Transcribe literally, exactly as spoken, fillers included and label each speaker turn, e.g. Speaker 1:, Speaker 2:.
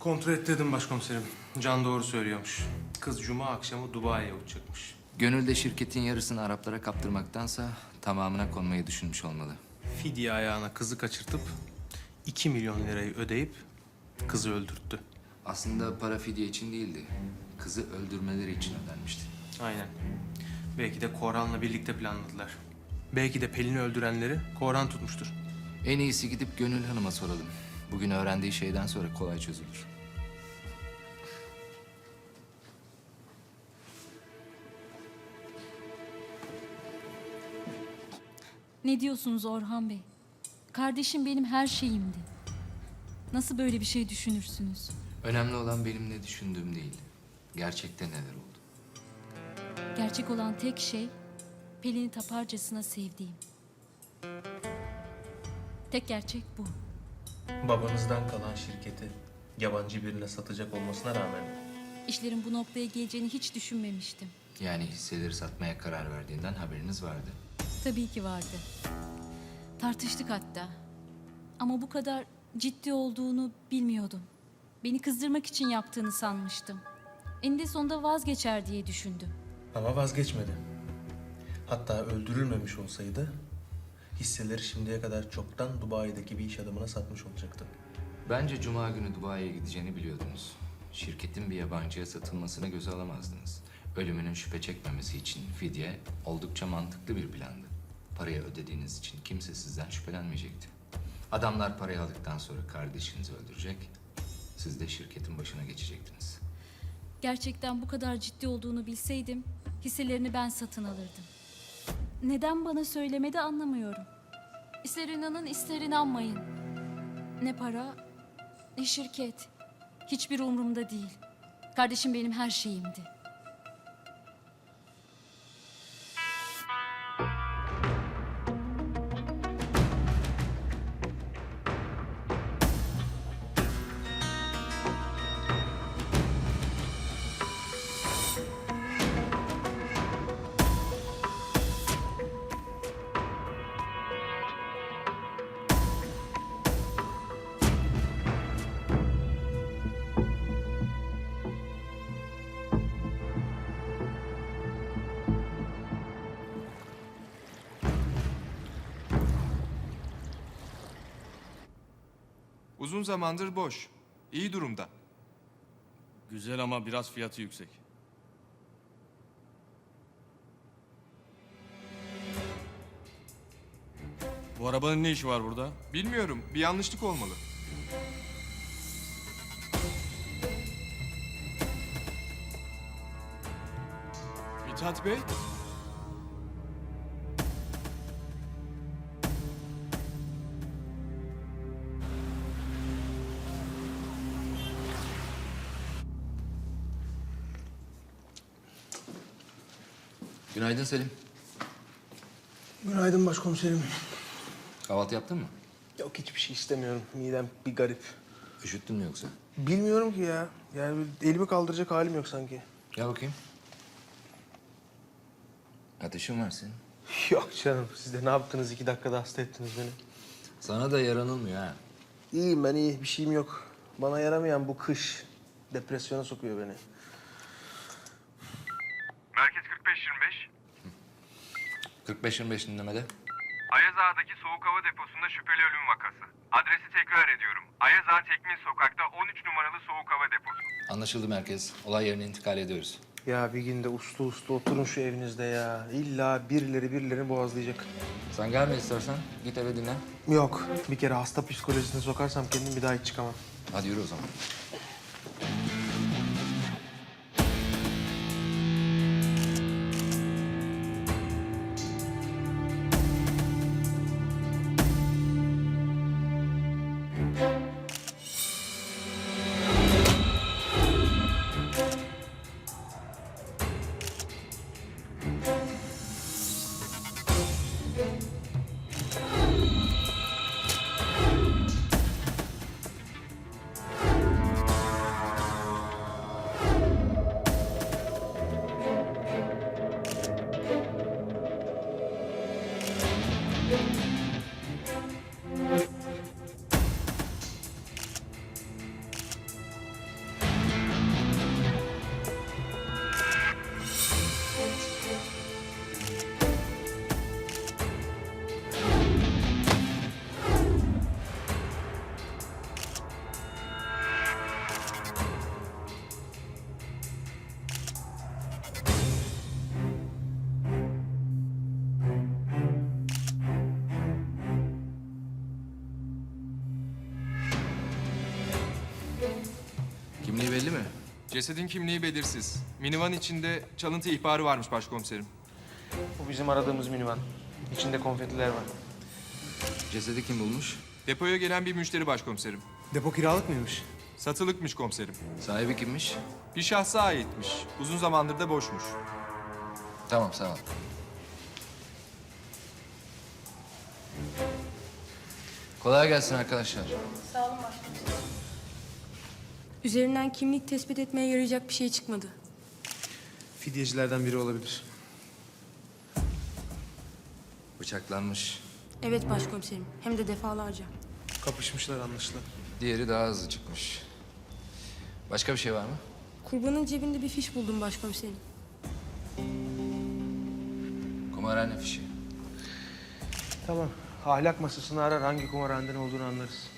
Speaker 1: Kontrol ettirdim başkomiserim. Can doğru söylüyormuş. Kız cuma akşamı Dubai'ye uçacakmış.
Speaker 2: Gönül de şirketin yarısını Araplara kaptırmaktansa tamamına konmayı düşünmüş olmalı.
Speaker 1: Fidye ayağına kızı kaçırtıp iki milyon lirayı ödeyip kızı öldürttü.
Speaker 2: Aslında para fidye için değildi. Kızı öldürmeleri için ödenmişti.
Speaker 1: Aynen. Belki de Korhan'la birlikte planladılar. Belki de Pelin'i öldürenleri Korhan tutmuştur.
Speaker 2: En iyisi gidip Gönül Hanım'a soralım. Bugün öğrendiği şeyden sonra kolay çözülür.
Speaker 3: Ne diyorsunuz Orhan Bey? Kardeşim benim her şeyimdi. Nasıl böyle bir şey düşünürsünüz?
Speaker 2: Önemli olan benim ne düşündüğüm değil. Gerçekte neler oldu.
Speaker 3: Gerçek olan tek şey Pelin'i taparcasına sevdiğim. Tek gerçek bu.
Speaker 1: Babanızdan kalan şirketi yabancı birine satacak olmasına rağmen
Speaker 3: İşlerin bu noktaya geleceğini hiç düşünmemiştim.
Speaker 2: Yani hisseleri satmaya karar verdiğinden haberiniz vardı.
Speaker 3: Tabii ki vardı. Tartıştık hatta. Ama bu kadar ciddi olduğunu bilmiyordum. Beni kızdırmak için yaptığını sanmıştım. Eninde sonunda vazgeçer diye düşündüm.
Speaker 1: ama vazgeçmedi. Hatta öldürülmemiş olsaydı hisseleri şimdiye kadar çoktan Dubai'deki bir iş adamına satmış olacaktı.
Speaker 2: Bence Cuma günü Dubai'ye gideceğini biliyordunuz. Şirketin bir yabancıya satılmasını göze alamazdınız. Ölümünün şüphe çekmemesi için fidye oldukça mantıklı bir plandı. Parayı ödediğiniz için kimse sizden şüphelenmeyecekti. Adamlar parayı aldıktan sonra kardeşinizi öldürecek, siz de şirketin başına geçecektiniz.
Speaker 3: Gerçekten bu kadar ciddi olduğunu bilseydim hisselerini ben satın alırdım. Neden bana söylemedi anlamıyorum. İster inanın ister inanmayın. Ne para ne şirket. Hiçbir umurumda değil. Kardeşim benim her şeyimdi.
Speaker 4: Uzun zamandır boş. İyi durumda.
Speaker 5: Güzel ama biraz fiyatı yüksek. Bu arabanın ne işi var burada?
Speaker 4: Bilmiyorum, bir yanlışlık olmalı. Mithat Bey?
Speaker 2: Günaydın Selim.
Speaker 6: Günaydın başkomiserim.
Speaker 2: Kahvaltı yaptın mı?
Speaker 6: Yok hiçbir şey istemiyorum. Midem bir garip.
Speaker 2: Üşüttün mü yoksa?
Speaker 6: Bilmiyorum ki ya. Yani elimi kaldıracak halim yok sanki.
Speaker 2: Gel bakayım. Ateşin var senin.
Speaker 6: Yok canım. Siz de ne yaptınız? İki dakikada hasta ettiniz beni.
Speaker 2: Sana da yaranılmıyor ha.
Speaker 6: İyiyim ben iyi. Bir şeyim yok. Bana yaramayan bu kış depresyona sokuyor beni.
Speaker 7: Merkez kırk beş yirmi beş.
Speaker 2: kırk beş yirmi beş dinlemede.
Speaker 7: Ayaz Ağa'daki soğuk hava deposunda şüpheli ölüm vakası. Adresi tekrar ediyorum. Ayaz Ağa Tekmin Sokak'ta on üç numaralı soğuk hava deposu.
Speaker 2: Anlaşıldı merkez. Olay yerine intikal ediyoruz.
Speaker 6: Ya bir günde uslu uslu oturun şu evinizde ya. İlla birileri birilerini boğazlayacak.
Speaker 2: Sen gelme istersen. Git eve dinlen.
Speaker 6: Yok. Bir kere hasta psikolojisine sokarsam kendim bir daha hiç çıkamam.
Speaker 2: Hadi yürü o zaman. belli mi?
Speaker 4: Cesedin kimliği belirsiz. Minivan içinde çalıntı ihbarı varmış başkomiserim.
Speaker 6: Bu bizim aradığımız minivan. İçinde konfetiler var.
Speaker 2: Cesedi kim bulmuş?
Speaker 4: Depoya gelen bir müşteri başkomiserim.
Speaker 1: Depo kiralık mıymış?
Speaker 4: Satılıkmış komiserim.
Speaker 2: Sahibi kimmiş?
Speaker 4: Bir şahsa aitmiş. Uzun zamandır da boşmuş.
Speaker 2: Tamam, sağ ol. Kolay gelsin arkadaşlar.
Speaker 8: Üzerinden kimlik tespit etmeye yarayacak bir şey çıkmadı.
Speaker 1: Fidyecilerden biri olabilir.
Speaker 2: Bıçaklanmış.
Speaker 8: Evet başkomiserim, hem de defalarca.
Speaker 1: Kapışmışlar anlaşılan.
Speaker 2: Diğeri daha hızlı çıkmış. Başka bir şey var mı?
Speaker 8: Kurbanın cebinde bir fiş buldum başkomiserim.
Speaker 2: Kumarhane fişi.
Speaker 6: Tamam. Ahlak masasını arar, hangi kumarhaneden olduğunu anlarız.